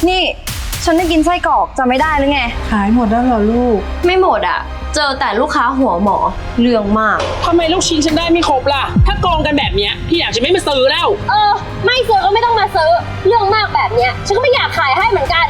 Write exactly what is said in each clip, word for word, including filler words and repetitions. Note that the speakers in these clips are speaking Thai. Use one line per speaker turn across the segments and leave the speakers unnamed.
นี่ฉันได้กินไส้กรอกจะไม่ได้หรือไง
ขายหมดแล้วเหรอลูก
ไม่หมดอ่ะเจอแต่ลูกค้าหัวหมอเรื่องมาก
ทำไมลูกชิ้นฉันได้ไม่ครบล่ะถ้าโกงกันแบบเนี้ยพี่อยากจะไม่มาซื้อแล้ว
เออไม่ซื้อก็ไม่ต้องมาซื้อเรื่องมากแบบเนี้ยฉันก็ไม่อยากขายให้เหมือนกัน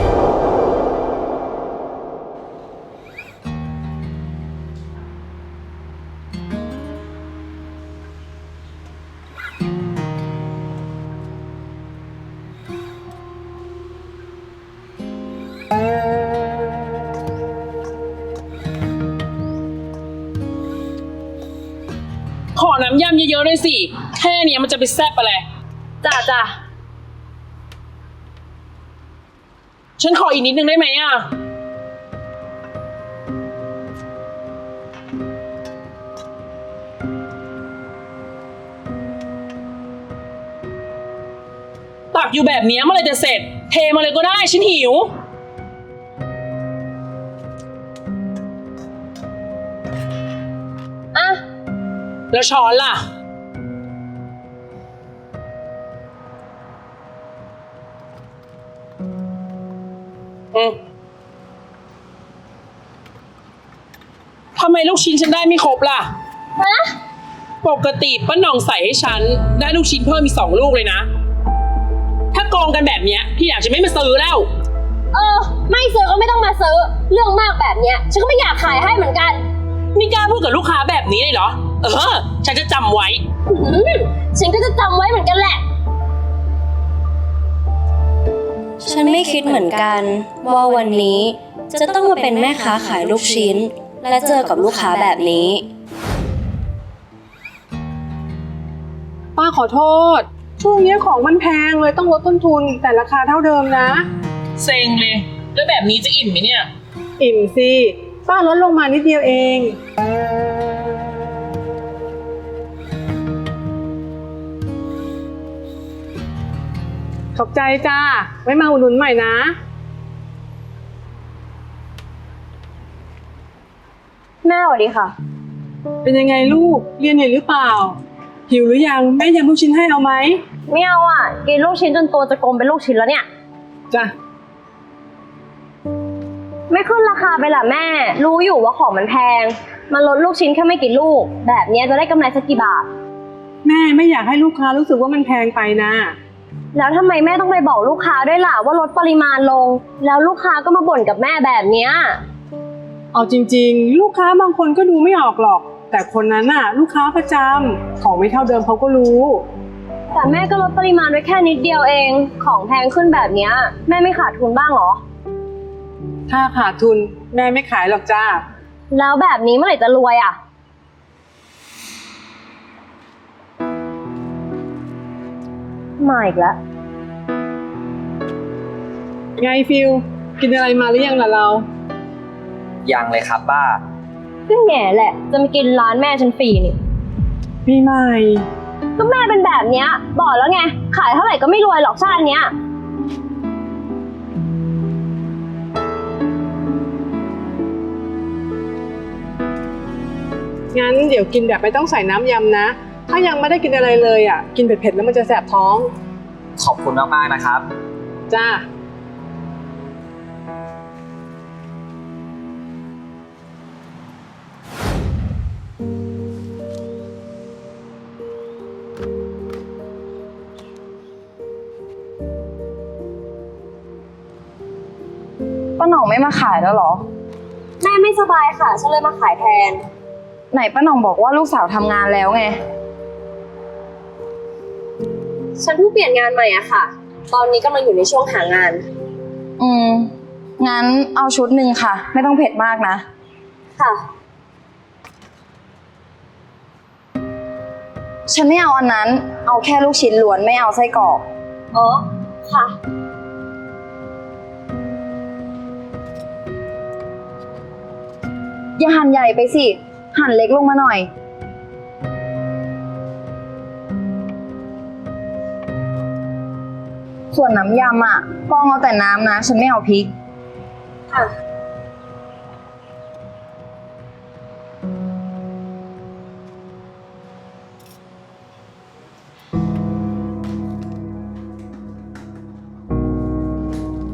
ขอน้ำยำเยอะๆด้วยสิแค่เนี้ยมันจะไปแซ่บอะไร
จ้าจ้า
ฉันขออีกนิดนึงได้ไหมอ่ะตักอยู่แบบนี้เมื่อไรจะเสร็จเทมาเลยก็ได้ฉันหิว
อ่ะ
แล้วช้อนล่ะอืมทำไมลูกชิ้นฉันได้ไม่ครบล่ะ
ฮะ
ปกติป้าหน่องใส่ให้ฉันได้ลูกชิ้นเพิ่มมีสองลูกเลยนะถ้าโกงกันแบบเนี้ยพี่อยากจะไม่มาซื้อแล้ว
เออไม่ซื้อก็ไม่ต้องมาซื้อเรื่องมากแบบเนี้ยฉันก็ไม่อยากขายให้เหมือนกัน
นี่กล้าพูดกับลูกค้าแบบนี้เลยเหรอเออฉันจะจำไว้
ฉันก็จะจำไว้เหมือนกันแหละ
ฉันไม่คิดเหมือนกันว่าวันนี้จะต้องมาเป็นแม่ค้าขายลูกชิ้นและเจอกับลูกค้าแบบนี้
ป้าขอโทษช่วงนี้ของมันแพงเลยต้องลดต้นทุนแต่ราคาเท่าเดิมนะ
เซ็งเลยแล้วแบบนี้จะอิ่มไหมเนี่ย
อิ่มสิป้าลดลงมานิดเดียวเองขอบใจจ้าไว้มาอุดหนุนใหม่นะ
แม่สวัสดีค่ะ
เป็นยังไงลูกเรียนเหนื่อยหรือเปล่าหิวหรือยังแม่ยำลูกชิ้นให้เอาไหม
ไม่เอาอ่ะกินลูกชิ้นจนตัวจะกลมเป็นลูกชิ้นแล้วเนี่ย
จ้ะ
ไม่ขึ้นราคาไปล่ะแม่รู้อยู่ว่าของมันแพงมันลดลูกชิ้นแค่ไม่กี่ลูกแบบนี้จะได้กำไรสักกี่บาท
แม่ไม่อยากให้ลูกค้ารู้สึกว่ามันแพงไปนะ
แล้วทำไมแม่ต้องไปบอกลูกค้าด้วยล่ะว่าลดปริมาณลงแล้วลูกค้าก็มาบ่นกับแม่แบบเนี้ย
เอาจริงๆลูกค้าบางคนก็ดูไม่ออกหรอกแต่คนนั้นน่ะลูกค้าประจำของไม่เท่าเดิมเขาก็รู้
แต่แม่ก็ลดปริมาณไว้แค่นิดเดียวเองของแพงขึ้นแบบเนี้ยแม่ไม่ขาดทุนบ้างหรอ
ถ้าขาดทุนแม่ไม่ขายหรอกจ้า
แล้วแบบนี้เมื่อไหร่จะรวยอ่ะมาอีกแล้ว
ไงฟิลกินอะไรมาหรือยังล่ะเรา
ยังเลยครับป้า
ก็แง่แหละจะมากินร้านแม่ฉันฟรีนี่
ปีใหม่
ก็แม่เป็นแบบเนี้ยบอกแล้วไงขายเท่าไหร่ก็ไม่รวยหรอกชาติเนี้ย
งั้นเดี๋ยวกินแบบไม่ต้องใส่น้ำยำนะถ้ายังไม่ได้กินอะไรเลยอ่ะกินเผ็ดๆแล้วมันจะแสบท้อง
ขอบคุณมากๆนะครับ
จ้า
ป้าหน่องไม่มาขายแล้วเหรอ
แม่ไม่สบายค่ะฉันเลยมาขายแทน
ไหนป้าหน่องบอกว่าลูกสาวทำงานแล้วไง
ฉันเพิ่งเปลี่ยนงานใหม่อะค่ะตอนนี้กำลังอยู่ในช่วงหางาน
อืมงั้นเอาชุดหนึ่งค่ะไม่ต้องเผ็ดมากนะ
ค่ะ
ฉันไม่เอาอันนั้นเอาแค่ลูกชิ้นล้วนไม่เอาไส้กรอก
อ๋อค่ะ
อย่าหั่นใหญ่ไปสิหั่นเล็กลงมาหน่อยส่วนน้ำยำอ่ะฟองเอาแต่น้ำนะฉันไม่เอาพริก
ค่ะ
พ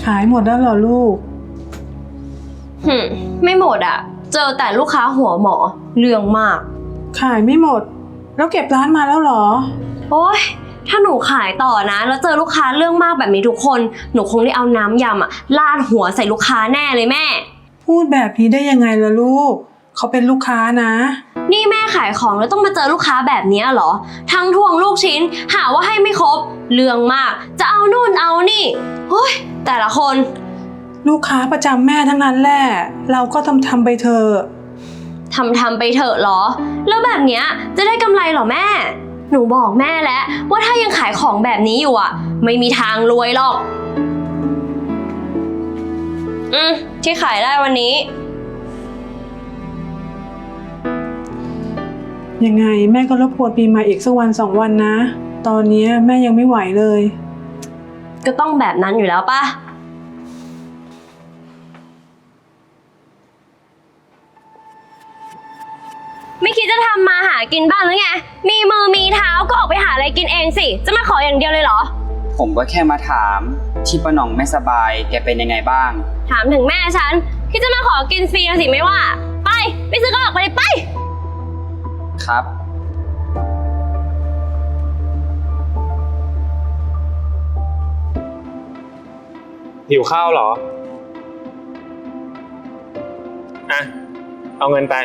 ายหมดแล้วเหรอลูก
หึมไม่หมดอะเจอแต่ลูกค้าหัวหมอเรื่องมาก
ขายไม่หมด แล้วเก็บร้านมาแล้วเหรอ
โอ๊ยถ้าหนูขายต่อนะ แล้วเจอลูกค้าเรื่องมากแบบนี้ทุกคนหนูคงได้เอาน้ำยำอะลาดหัวใส่ลูกค้าแน่เลยแม่
พูดแบบนี้ได้ยังไงล่ะลูก เขาเป็นลูกค้านะ
นี่แม่ขายของแล้วต้องมาเจอลูกค้าแบบนี้เหรอ ทั้งทวงลูกชิ้น หาว่าให้ไม่ครบ เรื่องมาก จะเอานู่นเอานี่โอ้ยแต่ละคน
ลูกค้าประจำแม่ทั้งนั้นแหละ เราก็ทำทำไปเถอะ
ทำทำไปเถอะเหรอ แล้วแบบเนี้ยจะได้กำไรเหรอแม่ หนูบอกแม่แล้วว่าถ้ายังขายของแบบนี้อยู่อ่ะ ไม่มีทางรวยหรอก อืมที่ขายได้วันนี้
ยังไงแม่ก็รบกวนปีใหม่อีกสักวันสองวันนะ ตอนนี้แม่ยังไม่ไหวเลย
ก็ต้องแบบนั้นอยู่แล้วป่ะ ไม่คิดจะทำมาหากินบ้างหรือไง มีมือมีเท้าก็ออกไปหาอะไรกินเองสิ จะมาขออย่างเดียวเลยเหรอ
ผมก็แค่มาถามที่ป้าหน่องไม่สบายแกเป็นยังไงบ้าง
ถามถึงแม่ฉัน คิดจะมาขอกินฟรีนะสิไม่ว่า ไป ไปซื้อก็ออกไปเลยไป
ครับ
หิวข้าวเหรอ อ่ะ เอาเงินไป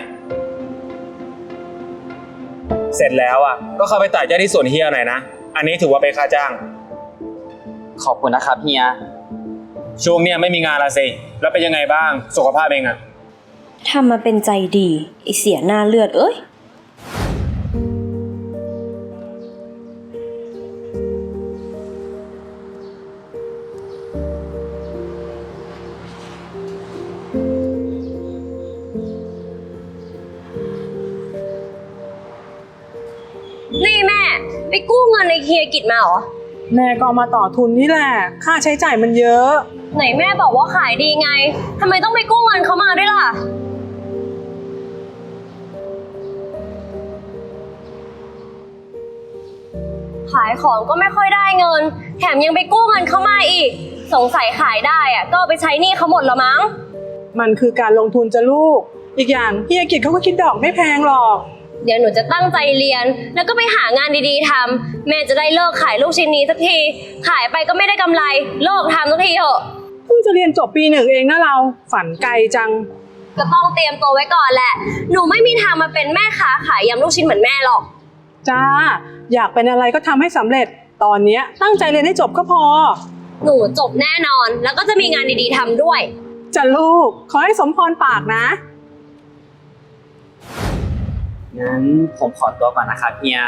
เสร็จแล้วอ่ะ ก็เข้าไปตัดหญ้าที่สวนเฮียหน่อยนะ อันนี้ถือว่าเป็นค่าจ้าง
ขอบคุณนะครับเฮีย
ช่วงเนี้ยไม่มีงานละสิ แล้วเป็นยังไงบ้าง สุขภาพเองอ่ะ
ทำมาเป็นใจดีไอเสียหน้าเลือดเอ้ย
นี่แม่ ไปกู้เงินในเฮียกิจมาเหรอ
แม่ก็เอามาต่อทุนนี่แหละ ค่าใช้จ่ายมันเยอะ
ไหนแม่บอกว่าขายดีไง ทำไมต้องไปกู้เงินเขามาด้วยล่ะ ขายของก็ไม่ค่อยได้เงิน แถมยังไปกู้เงินเขามาอีก สงสัยขายได้อะก็เอาไปใช้หนี้เขาหมดละมั้ง
มันคือการลงทุนจะลูก อีกอย่างเฮียกิจเขาก็คิดดอกไม่แพงหรอก
เดี๋ยวหนูจะตั้งใจเรียน แล้วก็ไปหางานดีๆทำแม่จะได้เลิกขายลูกชิ้นนี้สักที ขายไปก็ไม่ได้กำไร เลิกทำสักทีเถอะ
เพิ่งจะเรียนจบปีหนึ่งเองนะเรา ฝันไกลจัง
ก็ต้องเตรียมตัวไว้ก่อนแหละ หนูไม่มีทางมาเป็นแม่ค้าขายยำลูกชิ้นเหมือนแม่หรอก
จ้า อยากเป็นอะไรก็ทำให้สำเร็จ ตอนเนี้ยตั้งใจเรียนให้จบก็พอ
หนูจบแน่นอน แล้วก็จะมีงานดีๆทำด้วย
จะลูก ขอให้สมพรปากนะ
งั้นผมขอตัวก่อนนะครับเฮีย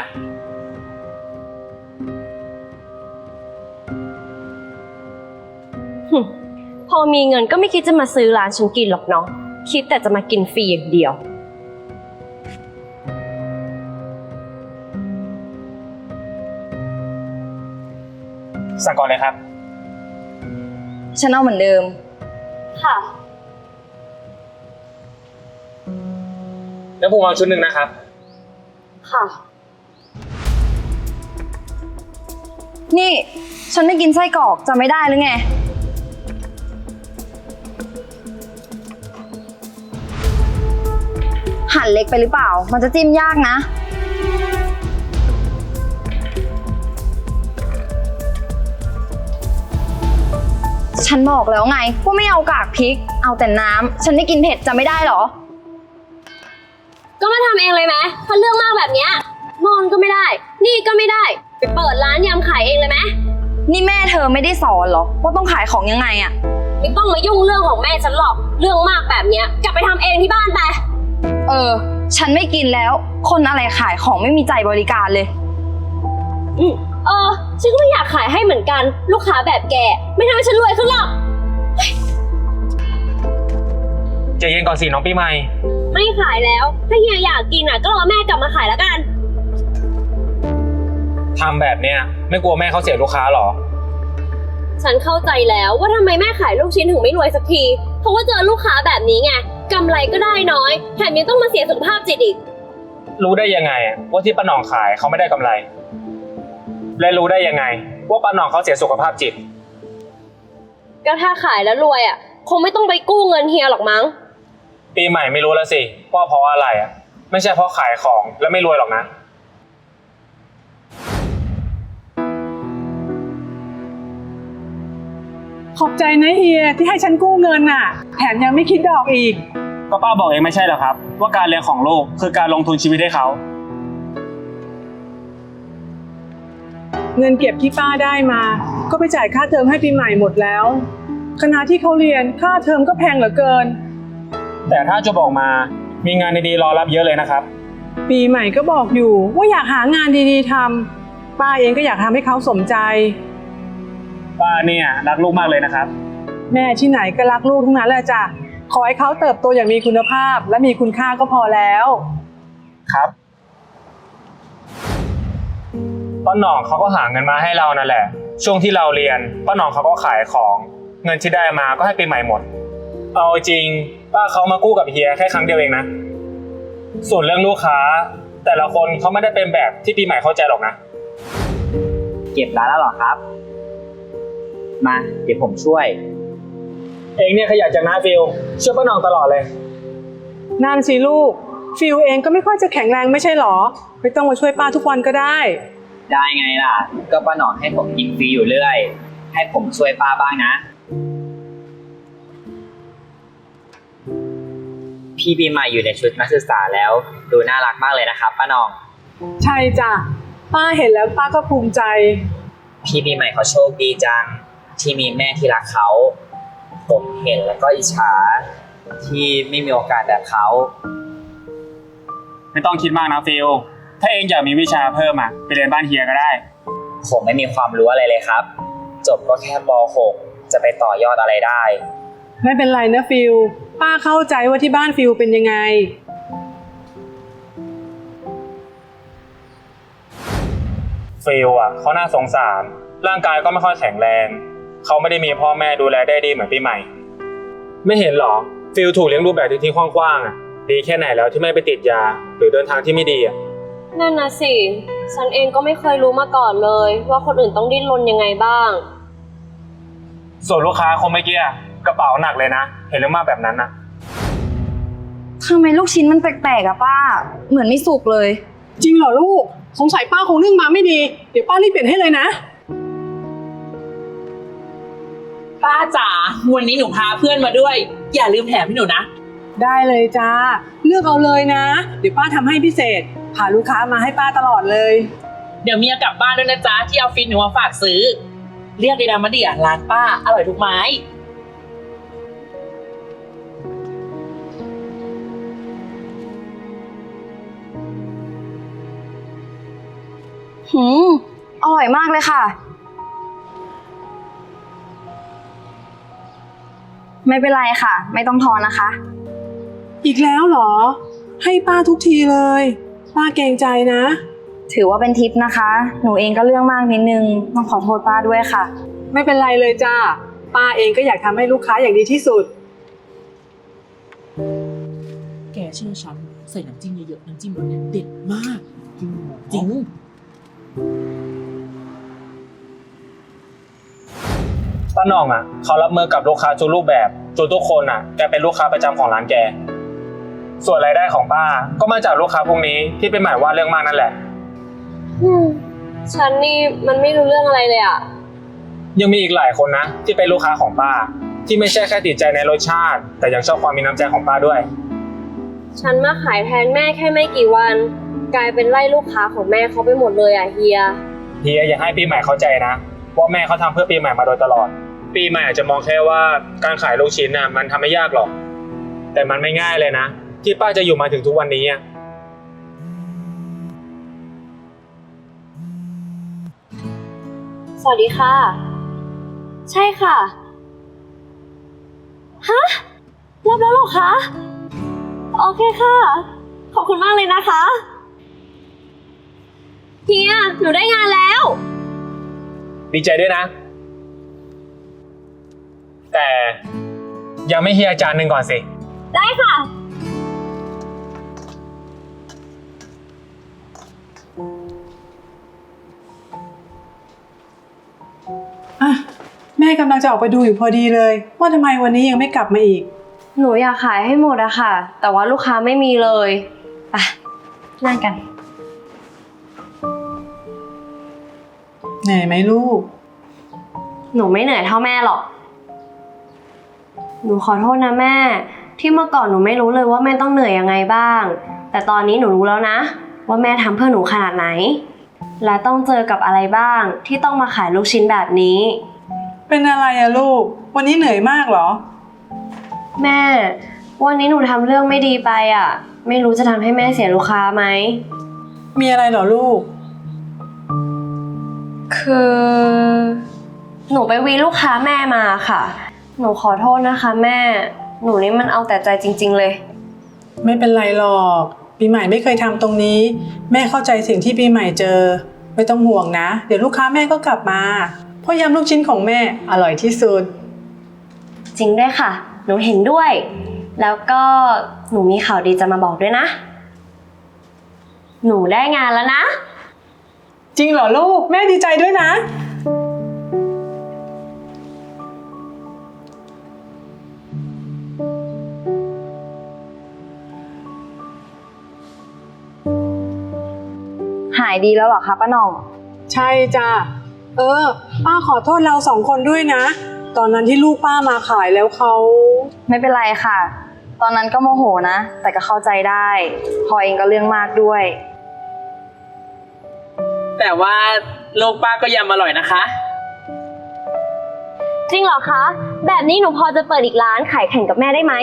พอมีเงินก็ไม่คิดจะมาซื้อร้านฉันกินหรอกเนาะ คิดแต่จะมากินฟรีอย่างเดียว
สั่งก่อนเลยครับ
ฉันเอาเหมือนเดิม
ค่ะ
แล้วผมเอาชุดหนึ่งนะครับ
ค่ะ
นี่ฉันไม่กินไส้กรอกจะไม่ได้หรือไง หั่นเล็กไปหรือเปล่า มันจะจิ้มยากนะ ฉันบอกแล้วไงว่าไม่เอากากพริก เอาแต่น้ำ ฉันไม่กินเผ็ดจะไม่ได้หรอ
ก็มาทำเองเลยไหมถ้าเรื่องมากแบบเนี้ยนอนก็ไม่ได้ นี่ก็ไม่ได้ ไปเปิดร้านยำขายเองเลยไหม
นี่แม่เธอไม่ได้สอนเหรอ ว่าต้องขายของยังไงอะ
ไม่ต้องมายุ่งเรื่องของแม่ฉันหรอก เรื่องมากแบบเนี้ยกลับไปทำเองที่บ้านไป
เออ ฉันไม่กินแล้ว คนอะไรขายของไม่มีใจบริการเลย
อืมเออ ฉันก็ไม่อยากขายให้เหมือนกัน ลูกค้าแบบแก ไม่ทำให้ฉันรวยขึ้นหรอก
ใจเย็นก่อนสิน้องปีใหม่
ไม่ขายแล้ว ถ้าเฮียอยากกินอ่ะก็รอแม่กลับมาขายแล้วกัน
ทำแบบเนี้ยไม่กลัวแม่เขาเสียลูกค้าหรอ
ฉันเข้าใจแล้วว่าทำไมแม่ขายลูกชิ้นถึงไม่รวยสักที เพราะว่าเจอลูกค้าแบบนี้ไงกำไรก็ได้น้อย แถมยังต้องมาเสียสุขภาพจิตอีก
รู้ได้ยังไงว่าที่ป้าหน่องขายเขาไม่ได้กำไร และรู้ได้ยังไงว่าป้าหน่องเขาเสียสุขภาพจิต
ก็ถ้าขายแล้วรวยอ่ะ คงไม่ต้องไปกู้เงินเฮียหรอกมั้ง
ปีใหม่ไม่รู้แล้วสิว่าเพราะอะไรอ่ะ ไม่ใช่เพราะขายของแล้วไม่รวยหรอกนะ
ขอบใจนะเฮียที่ให้ฉันกู้เงินน่ะ แถมยังไม่คิดดอกอีก
ก็ป้าบอกเองไม่ใช่เหรอครับ ว่าการเรียนของลูกคือการลงทุนชีวิตให้เขา
เงินเก็บที่ป้าได้มา ก็ไปจ่ายค่าเทอมให้ปีใหม่หมดแล้วคณะที่เขาเรียนค่าเทอมก็แพงเหลือเกิน
แต่ถ้าจะบอกมามีงานดีๆรอรับเยอะเลยนะครับ
ปีใหม่ก็บอกอยู่ว่าอยากหางานดีๆทำป้าเองก็อยากทำให้เขาสมใจ
ป้าเนี่ยรักลูกมากเลยนะครับ
แม่ที่ไหนก็รักลูกทั้งนั้นแหละจ้ะขอให้เขาเติบโตอย่างมีคุณภาพและมีคุณค่าก็พอแล้ว
ครับป้าหน่องเขาก็หาเงินมาให้เรานั่นแหละ ช่วงที่เราเรียนป้าหน่องเขาก็ขายของ เงินที่ได้มาก็ให้ปีใหม่หมด เอาจริงป้าเขามากู้กับเฮียแค่ครั้งเดียวเองนะ ส่วนเรื่องลูกค้า แต่ละคนเขาไม่ได้เป็นแบบที่ปีใหม่เข้าใจหรอกนะ
เก็บร้านแล้วเหรอครับ มาเดี๋ยวผมช่วย
เองเนี่ยขยันจังนะฟิลช่วยป้าหน่องตลอดเลย
นั่นสิลูกฟิลเองก็ไม่ค่อยจะแข็งแรงไม่ใช่หรอไม่ต้องมาช่วยป้าทุกวันก็ได้
ได้ไงล่ะ ก็ป้าหนอนให้ผมกินฟรีอยู่เรื่อย ให้ผมช่วยป้าบ้างนะ พี่ปีใหม่อยู่ในชุดนักศึกษาแล้ว ดูน่ารักมากเลยนะครับป้าหนอง
ใช่จ้ะป้าเห็นแล้วป้าก็ภูมิใจ
พี่ปีใหม่เขาโชคดีจัง ที่มีแม่ที่รักเขา ผมเห็นแล้วก็อิจฉาที่ไม่มีโอกาสแบบเขา
ไม่ต้องคิดมากนะฟิลถ้าเองอยากมีวิชาเพิ่มอ่ะไปเรียนบ้านเฮียก็ได้
ผมไม่มีความรู้อะไรเลยครับ จบก็แค่ป หก จะไปต่อยอดอะไรได้
ไม่เป็นไรนะฟิลป้าเข้าใจว่าที่บ้านฟิลเป็นยังไง
ฟิลอ่ะเขาน่าสงสารร่างกายก็ไม่ค่อยแข็งแรงเขาไม่ได้มีพ่อแม่ดูแลได้ดีเหมือนปีใหม่ ไม่เห็นหรอฟิลถูกเลี้ยงดูแบบทิ้งๆขว้างๆอ่ะดีแค่ไหนแล้วที่ไม่ไปติดยาหรือเดินทางที่ไม่ดีอ่ะ
นั่นนะสิ ฉันเองก็ไม่เคยรู้มาก่อนเลย ว่าคนอื่นต้องดิ้นรนยังไงบ้าง
ส่วนลูกค้าคนเมื่อกี้กระเป๋าหนักเลยนะเห็นเรื่องมากแบบนั้นนะ
ทำไมลูกชิ้นมันแปลกๆอะป้า เหมือนไม่สุกเลย
จริงเหรอลูกสงสัยป้าคงนึ่งมาไม่ดีเดี๋ยวป้ารีบเปลี่ยนให้เลยนะ
ป้าจ๋าวันนี้หนูพาเพื่อนมาด้วย อย่าลืมแถมให้หนูนะ
ได้เลยจ้าเลือกเอาเลยนะเดี๋ยวป้าทำให้พิเศษพาลูกค้ามาให้ป้าตลอดเลย
เดี๋ยวเมียกลับบ้านด้วยนะจ๊ะที่เอาฟินหนูมาฝากซื้อ เรียกเลยนะมาเดียร้านป้าอร่อยทุกไม้
หืม อร่อยมากเลยค่ะ ไม่เป็นไรค่ะ ไม่ต้องทอนนะคะ
อีกแล้วเหรอให้ป้าทุกทีเลยป้าเกรงใจนะ
ถือว่าเป็นทิปนะคะ หนูเองก็เรื่องมากนิดนึง ต้องขอโทษป้าด้วยค่ะ
ไม่เป็นไรเลยจ้าป้าเองก็อยากทำให้ลูกค้าอย่างดีที่สุด
แกเชื่อฉันใส่น้ำจิ้มเยอะๆน้ำจิ้มรสเนี่ยเด็ดมากจริง
ป้าหน่องอ่ะเขารับมือกับลูกค้าทุกรูปแบบจนทุกคนอ่ะแกเป็นลูกค้าประจำของร้านแกส่วนรายได้ของป้าก็มาจากลูกค้าพวกนี้ที่เป็นหมายว่าเรื่องมากนั่นแหละ
อืม ฉันนี่มันไม่รู้เรื่องอะไรเลยอะ
ยังมีอีกหลายคนนะที่เป็นลูกค้าของป้าที่ไม่ใช่แค่ติดใจในรสชาติแต่ยังชอบความมีน้ำใจของป้าด้วย
ฉันมาขายแทนแม่แค่ไม่กี่วัน กลายเป็นไล่ลูกค้าของแม่เขาไปหมดเลยอะเฮีย
เฮียอยากให้ปีใหม่เข้าใจนะว่าแม่เขาทำเพื่อปีใหม่มาโดยตลอด ปีใหม่อาจจะมองแค่ว่าการขายลูกชิ้นน่ะมันทำไม่ยากหรอกแต่มันไม่ง่ายเลยนะที่ป้าจะอยู่มาถึงทุกวันนี้อ่ะ
สวัสดีค่ะ ใช่ค่ะ ฮะ รับแล้วเหรอคะ โอเคค่ะ ขอบคุณมากเลยนะคะเฮีย หนูได้งานแล้ว
ดีใจด้วยนะ แต่ยังไม่เฮียอาจารย์หนึ่งก่อนสิ
ได้ค่ะ
อ่ะแม่ม่กำลังจะออกไปดูอยู่พอดีเลย ว่าทำไมวันนี้ยังไม่กลับมาอีก
หนูอยากขายให้หมดอะค่ะ แต่ว่าลูกค้าไม่มีเลยไปนั่งกัน
เหนื่อยไหมลูก
หนูไม่เหนื่อยเท่าแม่หรอก หนูขอโทษนะแม่ ที่เมื่อก่อนหนูไม่รู้เลยว่าแม่ต้องเหนื่อยยังไงบ้าง แต่ตอนนี้หนูรู้แล้วนะ ว่าแม่ทำเพื่อหนูขนาดไหน และต้องเจอกับอะไรบ้างที่ต้องมาขายลูกชิ้นแบบนี้
เป็นอะไรอะลูก วันนี้เหนื่อยมากเหรอ
แม่ วันนี้หนูทำเรื่องไม่ดีไปอะไม่รู้จะทำให้แม่เสียลูกค้าไหม
มีอะไรเหรอลูก
คือ หนูไปวีลูกค้าแม่มาค่ะ หนูขอโทษนะคะแม่ หนูนี่มันเอาแต่ใจจริงๆเลย
ไม่เป็นไรหรอก ปีใหม่ไม่เคยทำตรงนี้ แม่เข้าใจสิ่งที่ปีใหม่เจอ ไม่ต้องห่วงนะ เดี๋ยวลูกค้าแม่ก็กลับมา เพราะยำลูกชิ้นของแม่อร่อยที่สุด
จริงด้วยค่ะ หนูเห็นด้วย แล้วก็หนูมีข่าวดีจะมาบอกด้วยนะ หนูได้งานแล้วนะ
จริงเหรอลูก แม่ดีใจด้วยนะ
หายดีแล้วเหรอคะป้าหน่อง
ใช่จ้ะ เออ ป้าขอโทษเราสองคนด้วยนะ ตอนนั้นที่ลูกป้ามาขายแล้วเขา
ไม่เป็นไรค่ะ ตอนนั้นก็โมโหนะ แต่ก็เข้าใจได้พอเองก็เรื่องมากด้วย
แต่ว่าลูกป้าก็ยำอร่อยนะคะ
จริงเหรอคะ แบบนี้หนูพอจะเปิดอีกร้านขายแข่งกับแม่ได้ไหม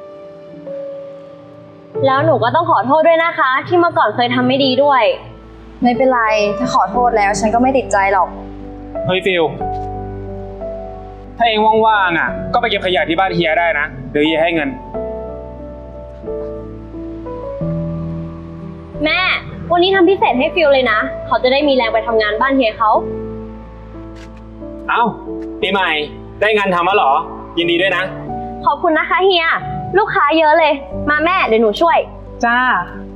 แล้วหนูก็ต้องขอโทษด้วยนะคะ ที่เมื่อก่อนเคยทำไม่ดีด้วย
ไม่เป็นไร ถ้าขอโทษแล้วฉันก็ไม่ติดใจหรอก
เฮ้ยฟิลถ้าเองว่างๆอ่ะ ก็ไปเก็บขยะที่บ้านเฮียได้นะเดี๋ยวเฮียให้เงิน
แม่ วันนี้ทำพิเศษให้ฟิลเลยนะ เขาจะได้มีแรงไปทำงานบ้านเฮียเขา
เอ้าปีใหม่ได้งานทำแล้วเหรอ ยินดีด้วยนะ
ขอบคุณนะคะเฮีย ลูกค้าเยอะเลย มาแม่เดี๋ยวหนูช่วย
จ้า